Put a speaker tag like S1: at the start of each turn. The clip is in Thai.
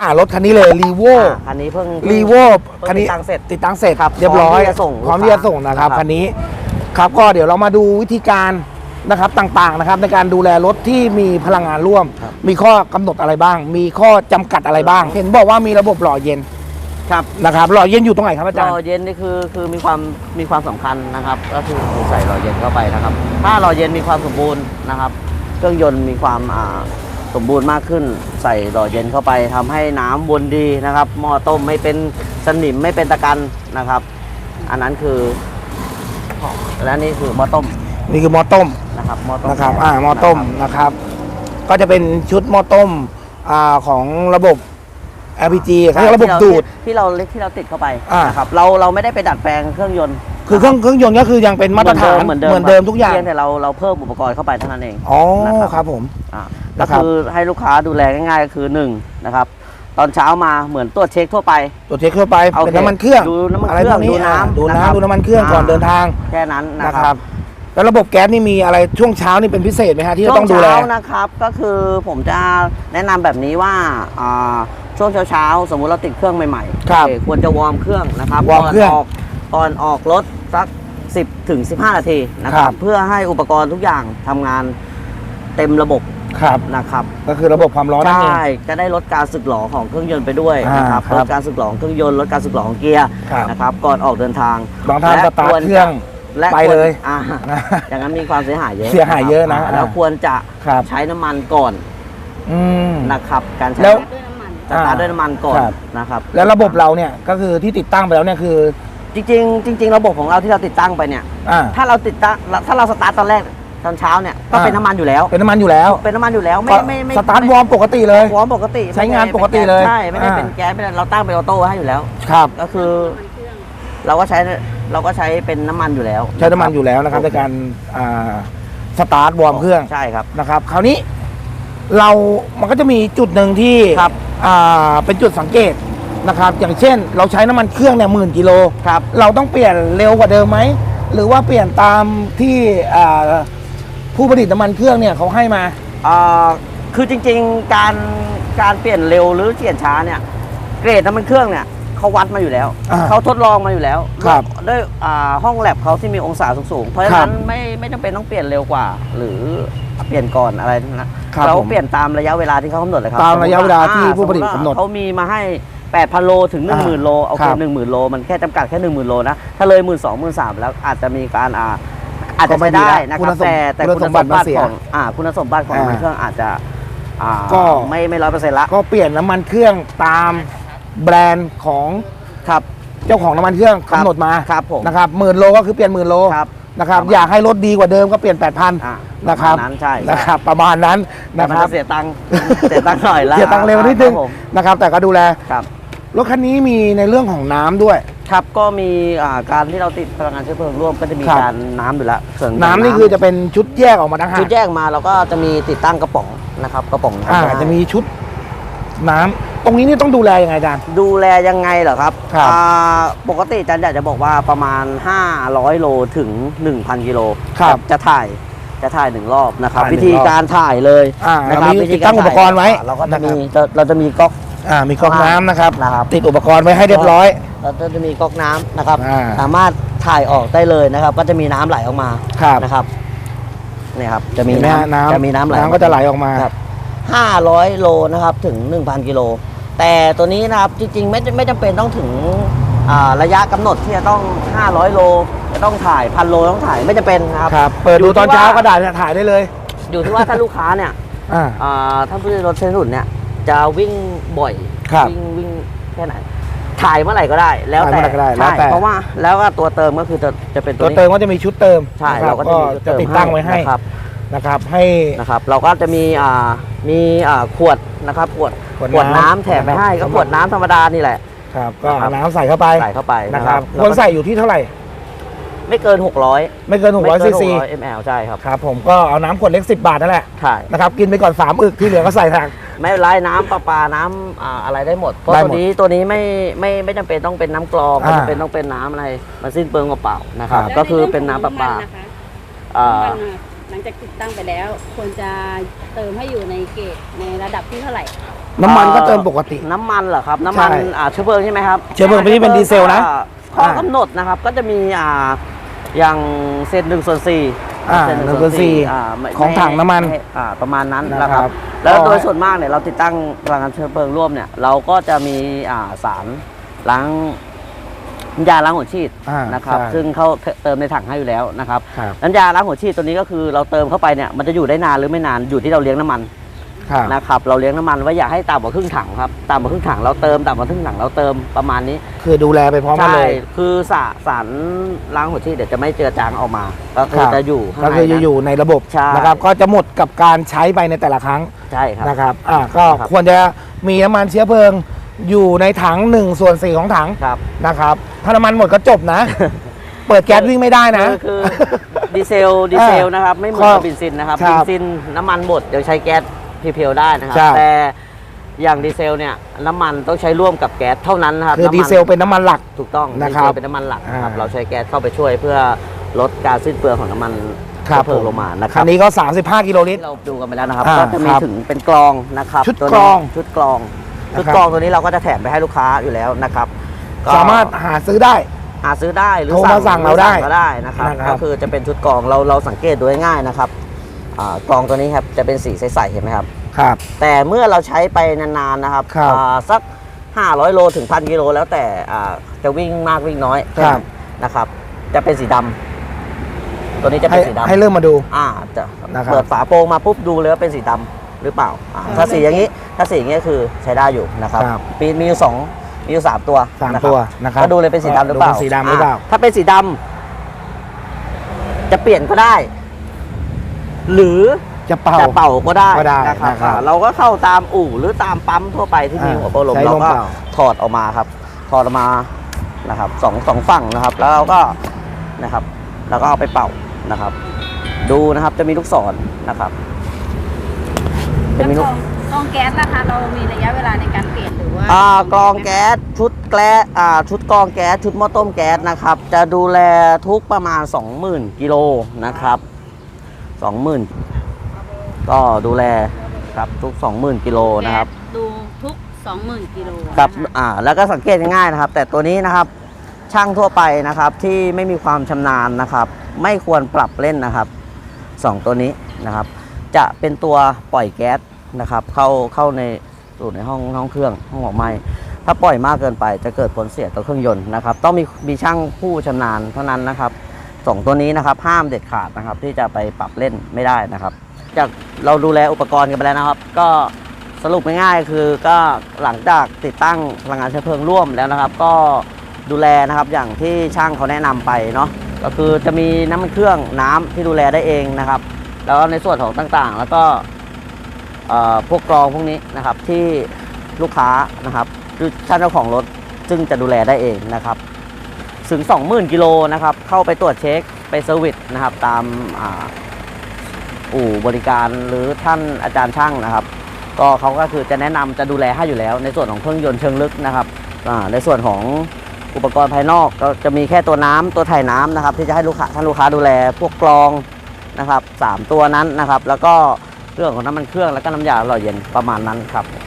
S1: รถคันนี้เลยรีโว
S2: คันนี้เพิ่ง
S1: รีโวคันนี้
S2: ติดตั้งเสร็จ
S1: ติดตั้งเสร็จ
S2: ครับ
S1: เรียบร้อย
S2: พร้อมที่จะส่ง
S1: นะครับ
S2: ครับ
S1: คันนี้ครับก็เดี๋ยวเรามาดูวิธีการนะครับต่างๆนะครับในการดูแลรถที่มีพลังงานร่วม มีข้อกำหนดอะไรบ้าง มีข้อจำกัดอะไรบ้าง เห็นบอกว่ามีระบบหล่อเย็น
S2: ครับ
S1: นะครับหล่อเย็นอยู่ตรงไหนครับอาจาร
S2: หล่
S1: ย์
S2: อเย็นนี่คือมีความสำคัญนะครับก็คือใส่หล่อเย็นเข้าไปนะครับ ถ้าหล่อเย็นมีความสมบูรณ์นะครับ เครื่องยนต์มีความสมบูรณ์มากขึ้น ใส่หล่อเย็นเข้าไปทำให้น้ำวนดีนะครับหม้อต้มไม่เป็นสนิมไม่เป็นตะกันนะครับ อันนั้นคือและนี่คือหม้อต้ม
S1: นี่คือหม้อต้ม
S2: นะครับหม้อต้ม
S1: นะครับหม้อต้มนะครับ ก็จะเป็นชุดหม้อต้มของระบบ LPG เขาเรียกระบบดูด
S2: ที่เราติดเข้าไป
S1: น
S2: นะครับเราไม่ได้ไปดัดแปลงเครื่องยนต์
S1: คือเครื่องยนต์ก็คือยังเป็นมาตรฐาน
S2: เหมือน
S1: เดิ
S2: เดิม
S1: มทุกอย่าง
S2: เพียงแต่เราเพิ่มอุปกรณ์เข้าไปเท่านั้นเอง
S1: อ๋อ
S2: นะครับ
S1: ผม
S2: ก็
S1: นะครับ
S2: คือให้ลูกค้าดูแลง่ายๆก็คือ1นะครับตอนเช้ามาเหมือนตรวจเช็คทั่วไป
S1: ตัวเช็คทั่วไป
S2: โอเค
S1: เป็นน้ำมันเครื่อง
S2: ดูน้ำมัน
S1: อะไร
S2: เครื่
S1: พ
S2: อ
S1: ว
S2: ง
S1: กนี้
S2: ดูน้ำ
S1: ดู
S2: นะครับ
S1: น้ำดูน้ำมันเครื่องก่อนเดินทาง
S2: แค่นั้นนะ
S1: นะ
S2: ค
S1: ค
S2: รั
S1: รับ บแล้วระบบแก๊สนี่มีอะไรช่วงเช้านี่เป็นพิเศษไหมฮะที่จะต้องดูแล
S2: ช่วงเช้านะครับก็คือผมจะแนะนำแบบนี้ว่าช่วงเช้าสมมุติเราติดเครื่องใหม่ๆ
S1: ครับ
S2: โอเคควรจะวอร์มเครื่องนะครับ
S1: วอร์มเครื่อง
S2: ก่อนออกรถสัก10 ถึง 15 นาทีนะค
S1: ครั
S2: รับบ เพื่อให้อุปกรณ์ทุกอย่างทำงานเต็มระบบ
S1: ครับ
S2: นะครับ
S1: ก็คือระบบความร้อนนั่นเอง
S2: ใช่จะได้ลดการสึกหรอของเครื่องยนต์ไปด้วยนะครับ
S1: ครับ
S2: ลดการสึกหรอของเครื่องยนต์ลดการสึกหรอของเกียร์
S1: ครับ
S2: นะครับก่อนออกเดินทาง
S1: บางท่าน
S2: และ
S1: สตาร์ทเครื่อง
S2: และ
S1: ไป
S2: ควร
S1: เลย
S2: อย่างนั้นมีความเสียหายเยอะ
S1: เสียหายเยอะนะ
S2: แล้วควรจะ
S1: ครับ
S2: ใช้น้ำมันก่อน
S1: อืม
S2: นะครับการใช้
S1: แล้ว
S2: สตาร์ทด้วยน้ำมันก่อน
S1: ครับ
S2: นะครับ
S1: แล้วระบบเราเนี่ยก็คือที่ติดตั้งไปแล้วเนี่ยคือ
S2: จริงๆระบบของเราที่เราติดตั้งไปเนี่ย
S1: อ่า
S2: ถ้าเราสตาร์ทตอนแรกตอนเช้าเนี่ยก็
S1: อ่า
S2: เป็นน้ำมันอยู่แล้ว
S1: เป็นน้ำมันอยู่แล้ว
S2: เป็นน้ำมันอยู่แล้วไม่
S1: สตาร์ทวอร์มปกติเลย
S2: วอร์มปกติ
S1: ใช้งานปกติเลย
S2: ใช่ไม่ได้
S1: อ่า
S2: เป็นแก๊สไม่ได้เราตั้งเป็นออโต้ให้อยู่แล้ว
S1: ครับ
S2: ก็คือเราก็ใช้เป็นน้ำมันอยู่แล้ว
S1: ใช้น้ำมันอยู่แล้วนะครับในการสตาร์ทวอร์มเครื่อง
S2: ใช่ครับ
S1: นะครับ คราวนี้มันก็จะมีจุดหนึ่งที่
S2: ครับ
S1: เป็นจุดสังเกตนะครับ อย่างเช่น เราใช้น้ำมันเครื่องเนี่ย10,000 กิโล
S2: ครับ
S1: เราต้องเปลี่ยนเร็วกว่าเดิมไหมหรือว่าเปลี่ยนตามที่ผู้ผลิตน้ำมันเครื่องเนี่ยเขาให้มา
S2: คือจริงๆการเปลี่ยนเร็วหรือเปลี่ยนช้าเนี่ยเกรดน้ำมันเครื่องเนี่ยเขาวัดมาอยู่แล้ว เขาทดลองมาอยู่แล้ว
S1: ครับ
S2: ด้วยห้องแลบเขาที่มีองศาสูงๆเพราะฉะนั้นไม่จำเป็นต้องเปลี่ยนเร็วกว่า หรือเปลี่ยนก่อนอะไรนะครับ เรา
S1: ผม
S2: เปลี่ยนตามระยะเวลาที่เขากำหนดเลยครับ
S1: ตามระยะเวลาที่ผู้ผลิตกำหนด
S2: เขามีมาให้ 8,000 โลถึง 10,000 โลโอเค
S1: ครับ
S2: 10,000 โลมันแค่จำกัดแค่ 10,000 โลนะถ้าเลย 12,000 13,000 แล้วอาจจะมีการอาจจะใช้ได้นะครับแต่คุณสมบัติของคุณสมบัติของน้ำมันเครื่องอาจจะ
S1: ก็
S2: ไม่100%ละ
S1: ก็เปลี่ยนน้ำมันเครื่องตามแบรนด์ของ
S2: ครับ
S1: เจ้าของน้ำมันเครื่อง
S2: ครับ
S1: กำหนดมา
S2: ครับผม
S1: นะครับ10,000 โลก็คือเปลี่ยน10,000 โล
S2: ครับ
S1: นะครับ
S2: ประมาณ
S1: อยากให้รถดีกว่าเดิมก็เปลี่ยน 8,000 นะครับ
S2: ประมาณนั้นใช่
S1: นะครับประมาณนั้น
S2: แต่
S1: นะ
S2: มัน
S1: ครับ
S2: จะเสียตังค์ เสียตังค์หน่อยละ
S1: เสียตังค์เร็วนิดนึง
S2: ครับผม
S1: นะครับ แต่ก็ดูแล
S2: ครับ
S1: รถคันนี้มีในเรื่องของน้ำด้วย
S2: ครับก็มีการที่เราติดพลังงานเชื้อเพลิงร่วมก็จะมี
S1: ครับ
S2: การน้ำอยู่แล้วส่ว
S1: น้ำนี่คือจะเป็นชุดแยกออกมาต่างหาก
S2: ชุดแยกมาเราก็จะมีติดตั้งกระป๋องนะครับกระป๋องน้ำ
S1: จะมีชุดน้ำตรงนี้นี่ต้องดูแลยังไงอาจารย์
S2: ดูแลยังไงเหรอครับ
S1: ครับ
S2: ปกติอาจารย์อยากจะบอกว่าประมาณ 500 โลถึง 1,000 กิโล
S1: ครับ
S2: จะถ่าย1 รอบนะครับ
S1: ถ่าย1
S2: วิธีการถ่ายเลย
S1: เรา
S2: นะครับ
S1: มี
S2: วิธี
S1: ติดตั้งอุปกรณ์ไว้
S2: เราก็จะมี
S1: นะครับ
S2: เราจะมีก๊อก
S1: มีก๊อกน้ำนะครับ
S2: นะครับ
S1: ติดอุปกรณ์ไว้ให้เรียบร้อย
S2: เราจะมีก๊อกน้ำนะครับ
S1: อ่า
S2: สามารถถ่ายออกได้เลยนะครับ ก็จะมีน้ำไหลออกมา
S1: ครับ
S2: นะครับนี่ครับจะมี
S1: เห็นไหมฮะ
S2: น้ำจะมีน้ำไหล
S1: น้ำก็จะไหลออกมา
S2: ครับ500 โลนะครับถึง 1,000 กิโลแต่ตัวนี้นะครับจริงๆไม่จำเป็นต้องถึงระยะกำหนดที่จะต้อง500 โลจะต้องถ่าย1,000 โลต้องถ่ายไม่จำเป็นนะครับ
S1: ครับ เปิดดูตอนเช้าก็ได้ถ่ายได้เลย
S2: อยู่ที่ว่าถ้าลูกค้าเนี่ย ถ้าผู้ใช้รถใช้ถนนเนี่ยจะวิ่งบ่อย
S1: ครับ
S2: วิ่งแค่ไหนถ่ายเมื่อไหร่ก็ได้ แล้ว
S1: ถ่าย
S2: แต่
S1: เมื่อไหร่ก็ได้
S2: ใช่
S1: แล้วแต่
S2: เพราะว่าแล้วก็ตัวเติมก็คือจะเป็นตั
S1: ตัว ว
S2: นี้
S1: เติมก็จะมีชุดเติม
S2: ใช่
S1: นะค
S2: เรา
S1: บ
S2: ก็จะมีชุด
S1: จะ
S2: เติม
S1: ติดตั้งไว้ให้
S2: นะครับ
S1: นะครับให้
S2: นะครับเราก็จะมีขวดนะครับขวดน้ำแถมไปให้ก็ขวดน้ำธรรมดานี่แหละ
S1: ครับก็
S2: นะครับ
S1: เอาน้ำใส่เข้าไป
S2: ใส่เข้าไป
S1: นะครับ
S2: แล้ว
S1: ควร
S2: ก็
S1: ใส่อยู่ที่เท่าไหร่
S2: ไม่เกิน 600
S1: ไม่เกิน600 ซีซี
S2: ml ใช่ครับ
S1: ครับผมก็เอาน้ำขวดเล็ก10 บาทนั่นแหละ
S2: ใช่
S1: นะครับกินไปก่อน3 อึกที่เหลือก็ใส่ทาง
S2: ไม่เป็นไรน้ำประปาน้ำอะไรได้หมดเพราะ
S1: ได้
S2: ตั
S1: หม
S2: ว
S1: ด
S2: นี้ไม่จำเป็นต้องเป็นน้ำกรองไม่จำเป็นต้องเป็นน้ำอะไรมันสิ้นเปลืองเปล่าๆนะครับ
S1: ครับ
S2: ก็คือเป็นน้ำประปา
S3: น้ำมันหลังจากติดตั้งไปแล้วควรจะเติมให้อยู่ในเกจในระดับที่เท่าไหร่
S1: น้ำมันก็เติมปกติ
S2: น้ำมันเหรอครับน้ำมัน
S1: ใช่
S2: เชื้อเพลิงใช่ไหมครับ
S1: เชื้อเพลิงไม่ใช่เป็นดีเซลนะ
S2: ข้อกำหนดนะครับก็จะมีอย่างเศษ1/4
S1: 1/4
S2: ไม่
S1: ของถังน้ำมัน
S2: ประมาณนั้น
S1: นะ
S2: นะ
S1: ค
S2: ค
S1: รั
S2: รับ บแล้วโดยส่วนมากเนี่ยเราติดตั้งพลังงานเชื้อเพลิงร่วมเนี่ยเราก็จะมีสารล้างน้ำยาล้างหัวฉีด นะครับ
S1: ใช่
S2: ซึ่งเขาเติมในถังให้อยู่แล้วนะครับ
S1: ครับ
S2: น้ำยาล้างหัวฉีดตัวนี้ก็คือเราเติมเข้าไปเนี่ยมันจะอยู่ได้นานหรือไม่นานอยู่ที่เราเลี้ยงน้ำมัน
S1: ครับ
S2: นะครับเราเลี้ยงน้ำมันไว้อย่าให้ต่ำกว่าครึ่งถังครับต่ำกว่าครึ่งถังเราเติมต่ำกว่าครึ่งถังเราเติมประมาณนี้
S1: คือดูแลไปพร้อมกัน
S2: ใช่
S1: เลย
S2: คือสารล้างหัวฉีดเดี๋ยวจะไม่เจือจางออกมาก็คือ
S1: ครับ
S2: จะอยู่ข้าง
S1: ก็
S2: ใน
S1: คือจะ
S2: นั้น
S1: อยู่ในระบบ
S2: ใช่
S1: นะครับก็จะหมดกับการใช้ไปในแต่ละครั้ง
S2: ใช่ครับ
S1: นะครับก็
S2: ครับ
S1: ควรจะมีน้ำมันเชื้อเพลิงอยู่ในถัง1/4ของถัง
S2: ครับ
S1: นะครับถ้าน้ำมันหมดก็จบ นะ เปิดแก๊สวิ่งไม่ได้นะ
S2: คือดีเซลนะครับไม่เหมือนกับเบนซินนะครับ
S1: ครับ
S2: เบนซินน้ำมันหมดเดี๋ยวใช้แก๊สเพียวๆได้นะครับ
S1: ใช่
S2: แต่อย่างดีเซลเนี่ยน้ำมันต้องใช้ร่วมกับแก๊สเท่านั้นนะครับ
S1: คือ
S2: น้ำมัน
S1: ดีเซลเป็นน้ำมันหลัก
S2: ถูกต้อง
S1: นะ
S2: ดี
S1: ครั
S2: เซ
S1: บ
S2: ลเป็นน้ำมันหลักนะครับ
S1: อ่า
S2: เราใช้แก๊สเข้าไปช่วยเพื่อลดการสิ้นเปลืองของน้ำมัน
S1: ครับ
S2: เชื้อเพลิงลงมานะค
S1: คั
S2: รับ
S1: นนี้ก็35กิโลลิตร
S2: ที่เราดูกันไปแล้วนะครับ
S1: อ่า
S2: ก็จะมี
S1: ครับ
S2: ถึงเป็นกรองนะครับ
S1: ชุด
S2: ตัว
S1: กร
S2: นี้
S1: อง
S2: ชุดกรอง
S1: นะครับ
S2: ชุดกรองตัวนี้เราก็จะแถมไปให้ลูกค้าอยู่แล้วนะครับก็
S1: สามารถหาซื้อได้
S2: หาซื้อได้หรือ
S1: โทรมาสั่งเราได้
S2: ก็ได้นะครับ
S1: นะครับ
S2: ก็คือจะเป็นชุดกรองเราสังเกตดูง่ายๆนะครับกรองตัวนี้ครับจะเป็นสีใสๆเห็นไหมครับ
S1: ครับ
S2: แต่เมื่อเราใช้ไปนานๆนะครับ
S1: ครับ
S2: สัก500 โลถึง 1,000 กิโลแล้วแต่จะวิ่งมากวิ่งน้อยแค่นั้นนะครับจะเป็นสีดำตัวนี้จะ
S1: ให้
S2: เป็นสีดำ
S1: ให้เริ่มมาดู
S2: จะ
S1: นะครับ
S2: เปิดฝาโปรงมาปุ๊บดูเลยว่าเป็นสีดำหรือเปล่าถ้าสีอย่างนี้คือใช้ได้อยู่นะครับ
S1: ครับ
S2: มีอยู่3ตัว
S1: สาม
S2: นะครับ
S1: ตัวนะครับ
S2: ก็ดูเลยเป็นสีดำหรือเปล่า
S1: ดูเป็นสีดำหรือเปล่า
S2: ถ้าเป็นสีดำจะเปลี่ยนก็ได้ หรือ
S1: จะเป่า
S2: จะเป่าก็ได้
S1: ก็ได้
S2: นะครับ
S1: นะครับ
S2: เราก็เข้าตามอู่หรือตามปั๊มทั่วไปที่มีหัวโปรลม
S1: ใช้
S2: เรา
S1: ลม
S2: ก็
S1: เป่า
S2: ถอดออกมาครับถอดออกมานะครับสองฝั่งนะครับ แล้วเราก็นะครับเราก็เอาไปเป่านะครับ ดูนะครับจะมีลูกศรนะครับจะมีลูก
S3: กรองแก๊สนะคะเรามีระยะเวลาในการเปลี่ยนหรือว่าก
S2: รองแก๊สชุดชุดกรองแก๊สชุดหม้อต้มแก๊สนะครับ จะดูแลทุกประมาณ 20,000 กิโลนะครับ 20,000 ก็ดูแลครับทุก 20,000 กิโลนะครับ
S3: แก๊สดูทุก 20,000 กิโล
S2: ครับ
S3: นะคะ
S2: แล้วก็สังเกตง่ายๆนะครับ แต่ตัวนี้นะครับช่างทั่วไปนะครับที่ไม่มีความชำนาญนะครับ ไม่ควรปรับเล่นนะครับ2ตัวนี้นะครับ จะเป็นตัวปล่อยแก๊สนะครับเข้าในสู่ในห้องเครื่องห้องหมอกไหม้ถ้าปล่อยมากเกินไปจะเกิดผลเสียต่อเครื่องยนต์นะครับต้องมีช่างผู้ชำนาญเท่านั้นนะครับ2ตัวนี้นะครับห้ามเด็ดขาดนะครับที่จะไปปรับเล่นไม่ได้นะครับจากเราดูแลอุปกรณ์กันไปแล้วนะครับ ก็สรุปง่ายๆคือก็หลังจากติดตั้งพลังงานเชื้อเพลิงร่วมแล้วนะครับ ก็ดูแลนะครับอย่างที่ช่างเขาแนะนำไปเนาะก็คือจะมีน้ำมันเครื่องน้ำที่ดูแลได้เองนะครับ แล้วก็ในส่วนของต่างๆ แล้วก็พวกกรองพวกนี้นะครับที่ลูกค้านะครับคือท่านเจ้าของรถซึ่งจะดูแลได้เองนะครับถึง 20,000 กิโลนะครับเข้าไปตรวจเช็คไปเซอร์วิสนะครับตามอู่บริการหรือท่านอาจารย์ช่างนะครับก็เขาก็คือจะแนะนำจะดูแลให้อยู่แล้ว ในส่วนของเครื่องยนต์เชิงลึกนะครับในส่วนของอุปกรณ์ภายนอกก็จะมีแค่ตัวน้ำตัวถ่ายน้ำนะครับที่จะให้ท่านลูกค้าดูแลพวกกรองนะครับ3ตัวนั้นนะครับแล้วก็เรื่องของน้ำมันเครื่องแล้วก็น้ำยาหล่อเย็นประมาณนั้นครับ